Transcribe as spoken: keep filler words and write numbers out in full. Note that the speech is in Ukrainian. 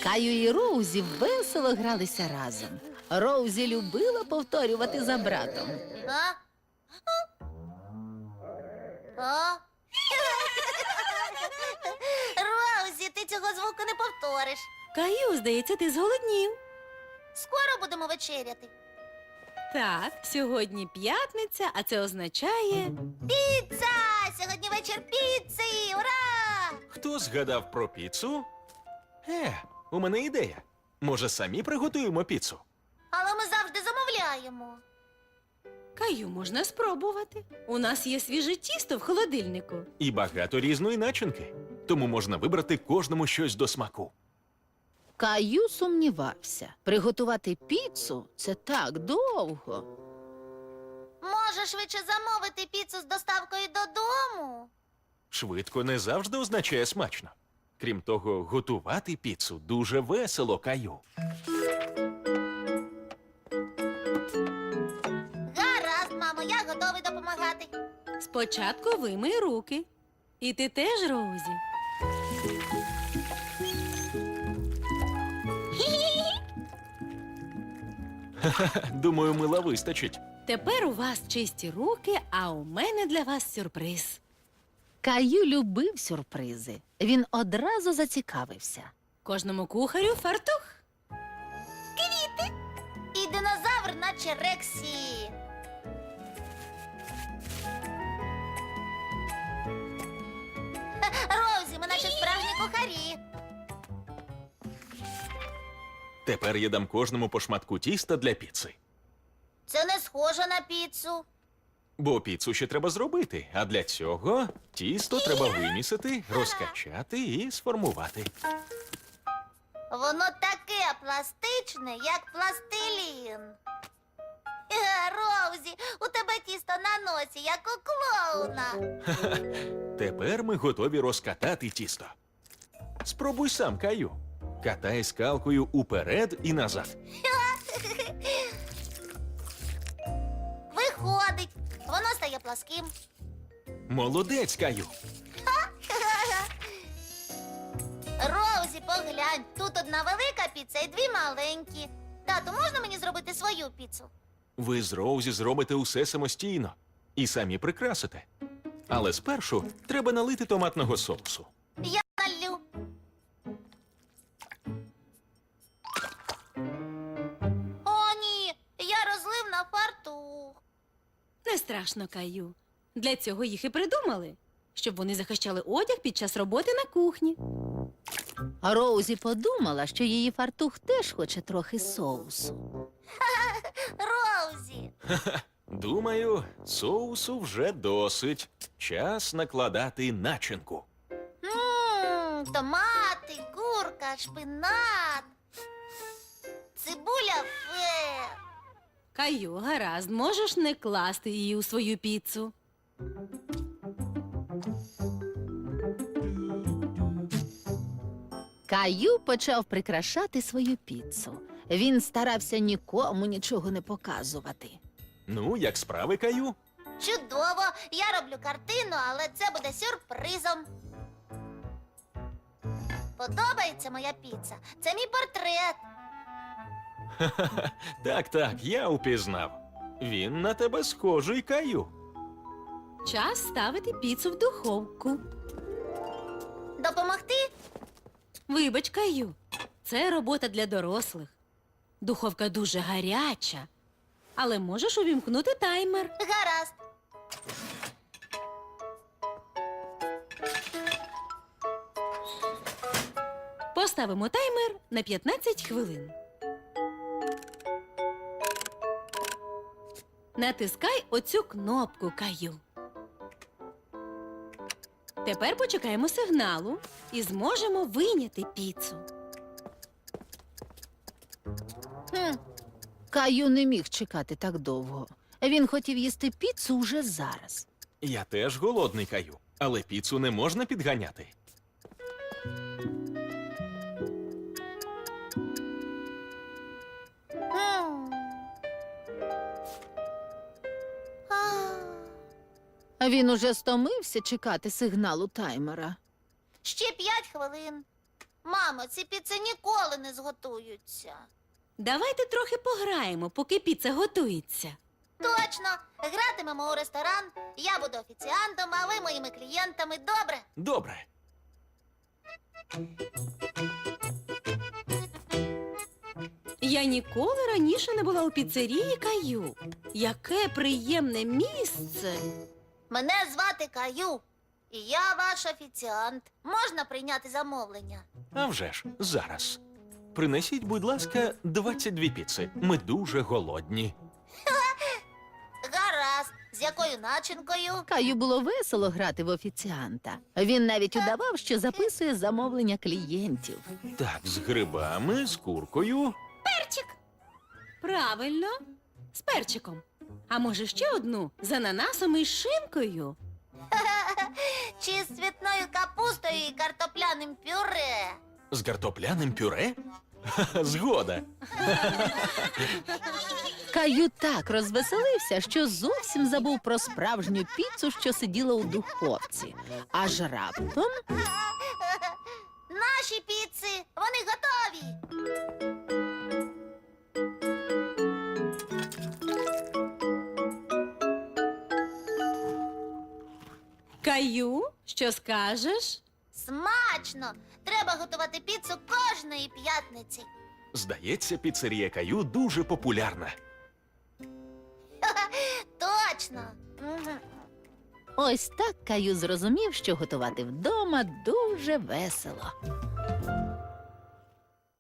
Каю і Роузі весело гралися разом. Роузі любила повторювати за братом. А? А? Роузі, ти цього звуку не повториш. Каю, здається, ти зголоднів. Скоро будемо вечеряти. Так, сьогодні п'ятниця, а це означає... Піца! Сьогодні вечір піци! Ура! Хто згадав про піцу? Е, у мене ідея. Може, самі приготуємо піцу? Але ми завжди замовляємо. Каю, можна спробувати. У нас є свіже тісто в холодильнику. І багато різної начинки. Тому можна вибрати кожному щось до смаку. Каю сумнівався. Приготувати піцу – це так довго. Може, швидше замовити піцу з доставкою додому? Швидко не завжди означає смачно. Крім того, готувати піцу дуже весело, Каю. Гаразд, мамо, я готовий допомагати. Спочатку вимий руки. І ти теж, Роузі. Думаю, мила вистачить. Тепер у вас чисті руки, а у мене для вас сюрприз. Каю любив сюрпризи. Він одразу зацікавився. Кожному кухарю фартух. І динозавр, наче Рексі. Ха, Роузі, ми наші справжні кухарі. Тепер я дам кожному по шматку тіста для піци. Це не схоже на піцу. Бо піцу ще треба зробити, а для цього тісто треба вимісити, розкачати і сформувати. Воно таке пластичне, як пластилін. Е, Роузі, у тебе тісто на носі, як у клоуна. Тепер ми готові розкатати тісто. Спробуй сам, Каю. Катай скалкою уперед і назад. Виходить, воно стає пласким. Молодець, Каю. Роузі, поглянь, тут одна велика піца і дві маленькі. Тату, можна мені зробити свою піцу? Ви з Роузі зробите усе самостійно і самі прикрасите. Але спершу треба налити томатного соусу. Я налю. О, ні, я розлив на фартух. Не страшно, Каю. Для цього їх і придумали. Щоб вони захищали одяг під час роботи на кухні. А Роузі подумала, що її фартух теж хоче трохи соусу. Роузі. Думаю, соусу вже досить. Час накладати начинку. Ммм, томати, курка, шпинат. Цибуля фе. Каю, гаразд, можеш не класти її у свою піцу. Каю почав прикрашати свою піцу. Він старався нікому нічого не показувати. Ну, як справи, Каю? Чудово! Я роблю картину, але це буде сюрпризом. Подобається моя піца. Це мій портрет. Так, так, я упізнав. Він на тебе схожий, Каю. Час ставити піцу в духовку. Допомогти? Вибач, Каю, це робота для дорослих. Духовка дуже гаряча, але можеш увімкнути таймер. Гаразд. Поставимо таймер на п'ятнадцять хвилин. Натискай оцю кнопку, Каю. Тепер почекаємо сигналу і зможемо вийняти піцу. Хм. Каю не міг чекати так довго. Він хотів їсти піцу уже зараз. Я теж голодний, Каю, але піцу не можна підганяти. М. А, Він уже стомився чекати сигналу таймера. Ще п'ять хвилин. Мамо, ці піци ніколи не зготуються. Давайте трохи пограємо, поки піца готується. Точно, гратимемо у ресторан, я буду офіціантом, а ви моїми клієнтами, добре? Добре. Я ніколи раніше не була у піцерії Каю. Яке приємне місце. Мене звати Каю, і я ваш офіціант. Можна прийняти замовлення? А вже ж, зараз. Принесіть, будь ласка, двадцять дві піци. Ми дуже голодні. Гаразд. З якою начинкою? Каю було весело грати в офіціанта. Він навіть удавав, що записує замовлення клієнтів. Так, з грибами, з куркою. Перчик. Правильно, з перчиком. А може ще одну з ананасом і шинкою? Чи з цвітною капустою і картопляним пюре? З картопляним пюре? Ха-ха, згода. Каю так розвеселився, що зовсім забув про справжню піцу, що сиділа у духовці. Аж раптом Наші піци, вони готові. Каю, що скажеш? Смачно! Треба готувати піцу кожної п'ятниці. Здається, піцерія Каю дуже популярна. Точно. Мгм. ось так Каю зрозумів, що готувати вдома дуже весело.